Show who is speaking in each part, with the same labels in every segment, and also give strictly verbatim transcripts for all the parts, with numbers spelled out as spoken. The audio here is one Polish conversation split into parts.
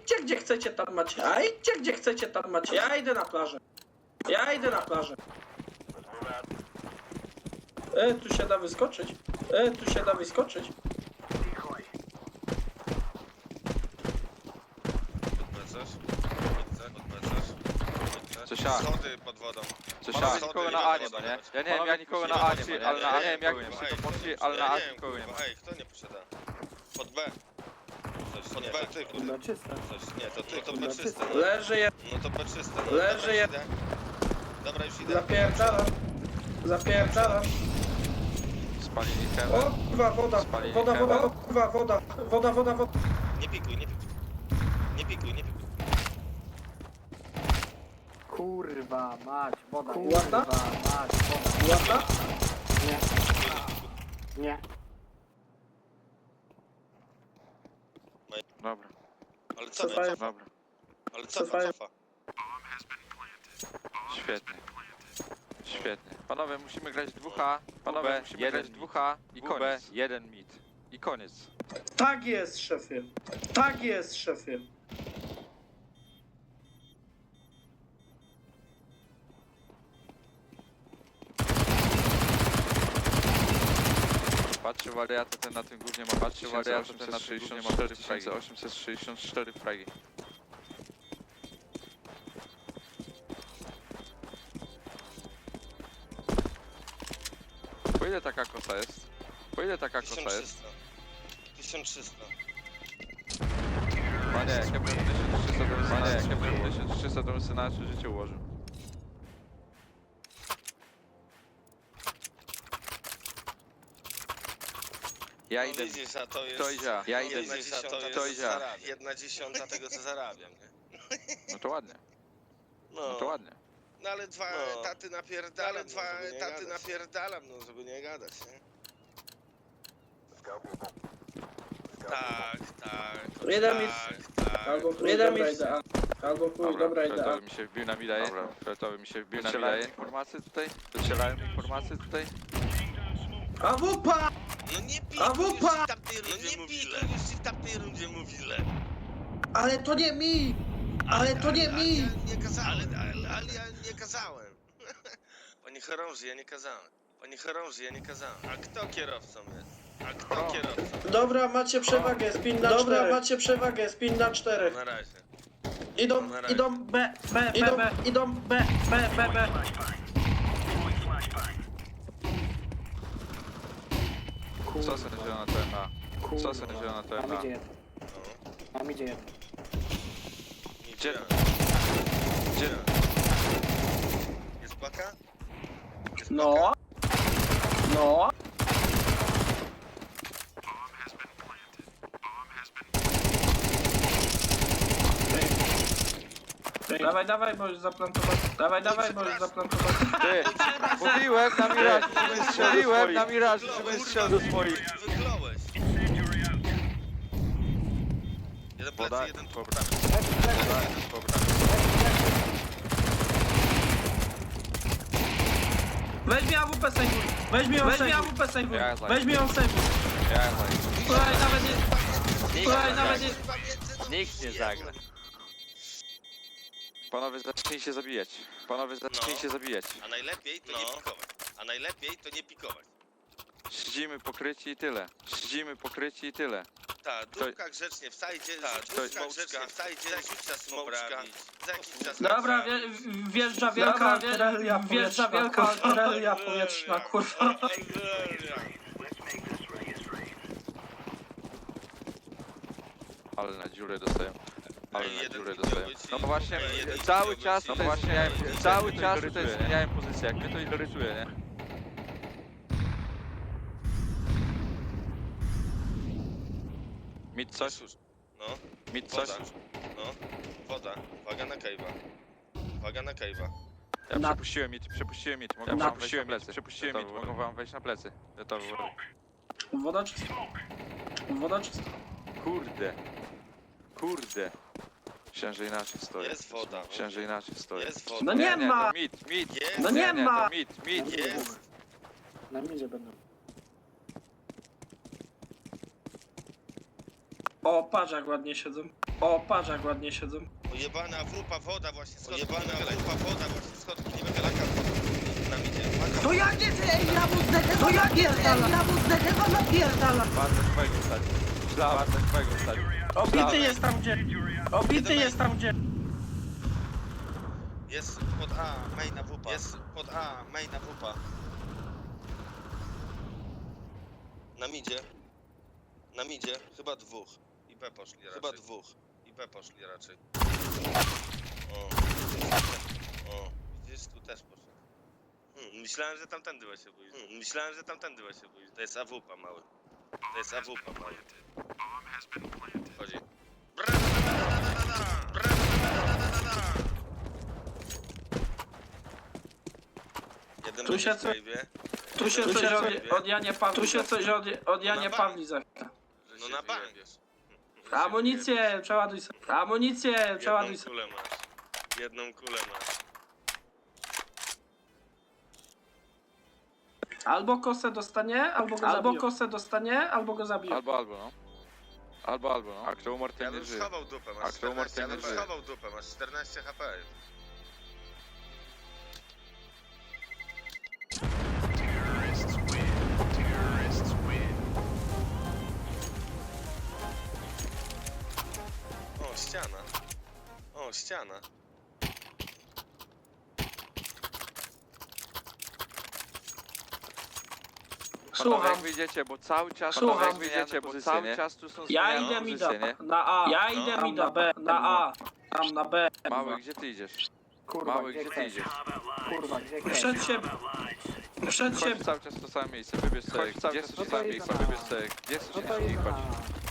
Speaker 1: idźcie gdzie chcecie, tam macie. A idźcie gdzie chcecie, tam macie. Ja idę na plażę. Ja idę na plażę. E, tu się da wyskoczyć. E, tu się da wyskoczyć.
Speaker 2: Odbezesz? Odbezesz?
Speaker 3: Coś a.
Speaker 2: Schody pod wodą.
Speaker 3: Coś
Speaker 2: Panowie,
Speaker 3: a.
Speaker 2: schody
Speaker 3: Nikogo
Speaker 2: i
Speaker 3: na
Speaker 2: pod
Speaker 3: A nie
Speaker 2: wodą
Speaker 3: ma, nie?
Speaker 2: jechać.
Speaker 3: Ja nie wiem jak nikogo na A nie ma, ale na, nie wiem jak
Speaker 2: kurwa,
Speaker 3: się
Speaker 2: ej,
Speaker 3: to poszli,
Speaker 2: kto
Speaker 3: ale
Speaker 2: nie
Speaker 3: na A
Speaker 2: poszedł?
Speaker 3: nikogo nie ma.
Speaker 2: Ej, kto nie posiada? Pod B. Coś, pod B, ty kurde.
Speaker 4: No czyste.
Speaker 2: Coś, nie, to ty, to B czyste. No,
Speaker 1: Leży je.
Speaker 2: no to B czyste. No,
Speaker 1: Leży
Speaker 2: dobra,
Speaker 1: je-
Speaker 2: już idę. Dobra, już idę.
Speaker 1: Zapierdalam. Zapierdalam.
Speaker 3: Spalili
Speaker 1: O,
Speaker 3: hełm.
Speaker 1: kurwa, woda.
Speaker 3: Spalili
Speaker 1: Woda, woda,
Speaker 3: hełm.
Speaker 1: kurwa, woda. Woda, woda, woda.
Speaker 2: Nie pikuj, nie pikuj. Nie pikuj, nie pikuj.
Speaker 4: Kurwa, mać, woda.
Speaker 1: Ładna?
Speaker 4: Kurwa, mać, woda.
Speaker 1: Ładna?
Speaker 4: Nie. Nie.
Speaker 3: Dobra,
Speaker 2: Ale co,
Speaker 1: Cofają.
Speaker 2: cofa?
Speaker 3: dobra.
Speaker 2: Ale cofa,
Speaker 1: Cofają.
Speaker 2: cofa.
Speaker 3: Świetnie. Świetnie. Panowie, musimy grać dwóch A. Panowie, musimy grać dwóch A i koniec. Jeden mid. I koniec.
Speaker 1: Tak jest, szefie. Tak jest, szefie.
Speaker 3: Patrzcie wariaty, ten na tym głównie ma patrzcie wariaty, ten na tym głównie ma cztery tysiące osiemset sześćdziesiąt cztery fragi. Po ile taka kosa jest? Po ile taka kosa
Speaker 2: tysiąc
Speaker 3: jest?
Speaker 2: trzysta. tysiąc trzysta.
Speaker 3: Panie, jak ja bym tysiąc trzysta to bym Panie, jak ja bym tysiąc trzysta to bym sobie na nasze życie ułożył. Ja
Speaker 2: No
Speaker 3: idę.
Speaker 2: widzisz, a to jest...
Speaker 3: Kto idzie? Ja idę.
Speaker 2: Jedna dziesiąta
Speaker 3: Kto
Speaker 2: tego, co
Speaker 3: idzie?
Speaker 2: zarabiam. Jedna dziesiąta tego, co zarabiam, nie?
Speaker 3: No to ładnie,
Speaker 2: No,
Speaker 3: no to ładnie.
Speaker 2: no ale dwa
Speaker 5: No.
Speaker 2: etaty napierdalam,
Speaker 5: Ale
Speaker 2: no,
Speaker 5: dwa
Speaker 2: żeby nie
Speaker 5: etaty
Speaker 2: gadać. napierdalam, no żeby nie gadać, nie? Tak, tak,
Speaker 1: Jeden
Speaker 2: tak,
Speaker 1: mit.
Speaker 2: tak.
Speaker 1: Albo chuj, Jeden dobra mit. idea. Albo chuj, dobra idea.
Speaker 3: Fioletowy mi się wbił na mida, dobra. Fioletowy mi się wbił na mida. Informacje tutaj? Docierają informacje tutaj?
Speaker 1: A wupa!
Speaker 2: No nie pij,
Speaker 1: A
Speaker 2: już
Speaker 1: wupa!
Speaker 2: ci w tamtej rundzie no mówiłem. Już ci w tamtej rundzie mówiłem.
Speaker 1: Ale to nie mi! Ale to nie
Speaker 2: ale,
Speaker 1: mi!
Speaker 2: Ale ja nie kazałem. Ale, ale, ale ja nie kazałem. Panie chorąży, ja nie kazałem. Panie chorąży, ja nie kazałem. A kto kierowcą jest? A kto
Speaker 3: O.
Speaker 2: kierowcą?
Speaker 1: Dobra, macie przewagę, spin na Dobra, czterech. macie przewagę, spin na czterech.
Speaker 2: Na razie.
Speaker 1: Idą,
Speaker 2: Na razie.
Speaker 1: idą B, B, idą, B, idą B, B, B, B.
Speaker 3: Co se zielona T M A? Co se zielona T M
Speaker 4: Tam
Speaker 3: A?
Speaker 4: idzie jeden.
Speaker 2: No.
Speaker 4: Tam idzie jeden.
Speaker 3: Gdzie?
Speaker 2: Gdzie? Jest paka? Jest
Speaker 1: No.
Speaker 2: paka?
Speaker 1: No. Dawaj, dawaj, bo już zaplantowałem. Dawaj, dawaj, bo już zaplantowałem.
Speaker 3: Ty! Mówiłem na miraż, żebym strzeliłem na miraż, żebym strzelił do swoich.
Speaker 2: Wygląłeś. Jeden
Speaker 3: Woda,
Speaker 2: plecy, jeden tu.
Speaker 3: dobra. Woda, dobra.
Speaker 1: Weź mi A W P sejwuj. Weź mi ją sejwuj.
Speaker 3: Ja za-
Speaker 1: Weź mi ją sejwuj.
Speaker 3: Ja za...
Speaker 1: Słuchaj, nawet nie... Słuchaj, nawet nie...
Speaker 3: Nikt nie zagra. Panowie, zacznijcie zabijać. Panowie, zacznijcie
Speaker 2: No.
Speaker 3: zabijać.
Speaker 2: A najlepiej to nie pikować. A najlepiej to nie pikować.
Speaker 3: Siedzimy pokryci i tyle. Siedzimy pokryci i tyle.
Speaker 2: Ta, dupka grzecznie w sajdzie, ta, dupka grzecznie w sajdzie, za jakiś czas poprawić, za jakiś czas
Speaker 1: Dobra, wie,
Speaker 2: poprawić.
Speaker 1: wjeżdża wielka artyleria wjeżdża wielka artyleria powietrzna, kurwa.
Speaker 3: Ale na dziurę dostaję. Ale
Speaker 2: Ej,
Speaker 3: na
Speaker 2: jeden
Speaker 3: dziurę
Speaker 2: widział
Speaker 3: dostaję.
Speaker 2: być
Speaker 3: No
Speaker 2: i-
Speaker 3: bo właśnie
Speaker 2: Ej, jeden
Speaker 3: cały
Speaker 2: widział
Speaker 3: czas
Speaker 2: być i-
Speaker 3: tutaj zmieniałem, cały czas tutaj zmieniałem pozycję. Jak mnie to irytuje, nie? Mid coś?
Speaker 2: Już. No,
Speaker 3: Mid coś?
Speaker 2: woda. No, woda. Uwaga na cave'a. Uwaga na cave'a.
Speaker 3: Ja
Speaker 1: Na-
Speaker 3: przepuściłem mid, przepuściłem mid. Mogą
Speaker 1: Na-
Speaker 3: wam wejść na plecy. Przepuściłem mid, mogą wam wejść na plecy. Gotowy.
Speaker 1: Woda czysta. Woda czysta.
Speaker 3: Kurde. Kurde. Myślałem, że inaczej stoję.
Speaker 2: Jest woda.
Speaker 3: Myślałem, że inaczej stoję.
Speaker 2: Jest woda.
Speaker 1: No nie ma!
Speaker 3: To mid, mid.
Speaker 2: Jest.
Speaker 1: No nie ma!
Speaker 3: To mid, mid.
Speaker 2: Jest.
Speaker 4: Na midzie będą.
Speaker 1: O, patrz jak ładnie siedzą. O, patrz jak ładnie siedzą.
Speaker 2: Ojebana wupa woda właśnie schodki. Ojebana wupa woda właśnie schodki. Nie wychylaka. Nam idzie. Maka.
Speaker 5: To jak nie ty, ja mu zdechę, to jak nie ty, ja mu zdechę, to napierdala.
Speaker 3: Bardzo twojego stać. Myślałem, bardzo twojego stać.
Speaker 1: Obity jest tam gdzie. Obity jest tam gdzie.
Speaker 2: Jest pod A, maina wupa. Jest pod A, maina wupa. Na midzie. Na midzie. Chyba dwóch. I B poszli raczej. Chyba dwóch. I B poszli raczej. O. O. Widzisz, tu też poszedł. Hmm, myślałem, że tamtędy się boisz. Hmm, myślałem, że tamtędy się boisz. To jest A W P mały. To jest A W P mały. Chodzi. Jeden
Speaker 1: Tu się
Speaker 2: będzie w
Speaker 1: co-
Speaker 2: cave'ie.
Speaker 1: Tu się
Speaker 2: Jeden
Speaker 1: coś
Speaker 2: będzie w
Speaker 1: od,
Speaker 2: cave'ie.
Speaker 1: od Janie Pawli. Tu się coś od, od Janie
Speaker 2: bank.
Speaker 1: Pawli zachce.
Speaker 2: No na bank.
Speaker 1: Amunicję, przeładuj sobie. Amunicję, przeładuj
Speaker 2: Jedną
Speaker 1: sobie.
Speaker 2: kulę masz. Jedną kulę masz.
Speaker 1: Albo kosę dostanie, albo go albo kosę dostanie, albo go zabiję.
Speaker 3: Albo, albo, no. Albo, albo, no. A kto umarł,
Speaker 2: Ja
Speaker 3: ten nie
Speaker 2: bym
Speaker 3: żyje.
Speaker 2: schował dupę,
Speaker 3: A
Speaker 2: masz
Speaker 3: kto umarł,
Speaker 2: czternaście,
Speaker 3: ten
Speaker 2: ja
Speaker 3: nie
Speaker 2: bym
Speaker 3: żyje.
Speaker 2: schował dupę, masz czternaście H P. O, ściana. O, ściana.
Speaker 3: Panowie,
Speaker 1: Słucham.
Speaker 3: jak wyjdziecie, bo cały czas...
Speaker 1: Słucham.
Speaker 3: Panowie, jak wyjdziecie, bo
Speaker 1: Pozycje,
Speaker 3: cały
Speaker 1: nie?
Speaker 3: czas tu są
Speaker 1: Ja
Speaker 3: zmieniane
Speaker 1: idę mi
Speaker 3: pozycje, nie?
Speaker 1: na A. Ja
Speaker 2: No.
Speaker 1: idę mi na B. Na A. Tam na B.
Speaker 3: Mały, gdzie ty idziesz?
Speaker 4: Kurwa,
Speaker 3: Mały,
Speaker 4: gdzie
Speaker 3: gdzie ty
Speaker 4: chcesz?
Speaker 3: idziesz?
Speaker 4: Kurwa, gdzie chcesz?
Speaker 1: Przed siebie. Przed
Speaker 3: Chodź
Speaker 1: siebie.
Speaker 3: cały czas w to samo miejsce, wybierz sobie.
Speaker 4: Chodź cały
Speaker 3: Gdzie
Speaker 4: czas
Speaker 3: chcesz
Speaker 4: w
Speaker 3: w
Speaker 4: to
Speaker 3: to samo
Speaker 4: samo
Speaker 3: miejsce,
Speaker 4: miejsce.
Speaker 3: wybierz sobie. Gdzie chcesz
Speaker 4: No to
Speaker 3: iść i
Speaker 4: jest
Speaker 3: chodź.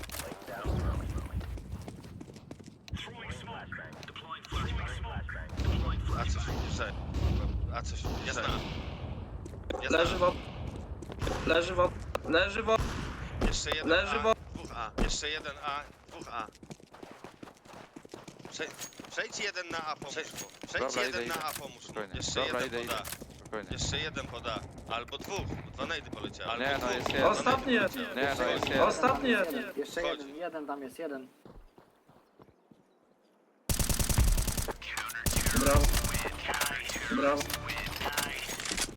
Speaker 2: A coś, że... A coś, jest na. Jest na.
Speaker 1: Leży wod. Leży wod. Leży wod.
Speaker 2: Jeszcze jeden
Speaker 1: Leży
Speaker 2: A,
Speaker 1: wo-
Speaker 2: dwóch A. Jeszcze jeden A, dwóch A. Prze przejdź jeden na A, pomóż mu. Przejdź
Speaker 3: Dobra,
Speaker 2: jeden
Speaker 3: idę,
Speaker 2: na
Speaker 3: idę.
Speaker 2: A, pomóż mu.
Speaker 3: Spokojnie.
Speaker 2: Jeszcze
Speaker 3: Dobra,
Speaker 2: jeden
Speaker 3: idę,
Speaker 2: poda.
Speaker 3: Spokojnie.
Speaker 2: Jeszcze jeden poda. Albo dwóch. Dwa najdy poleciały. Albo
Speaker 3: Nie, no
Speaker 2: dwóch.
Speaker 3: jest
Speaker 2: Dwa
Speaker 3: jeden.
Speaker 2: najdy
Speaker 1: Ostatnie.
Speaker 2: poleciały.
Speaker 3: Nie, no jest jeden.
Speaker 1: Ostatni jest.
Speaker 4: Jeden. Jeszcze
Speaker 2: Chodź.
Speaker 4: jeden, jeden tam jest, jeden.
Speaker 1: Brawo. Brawo.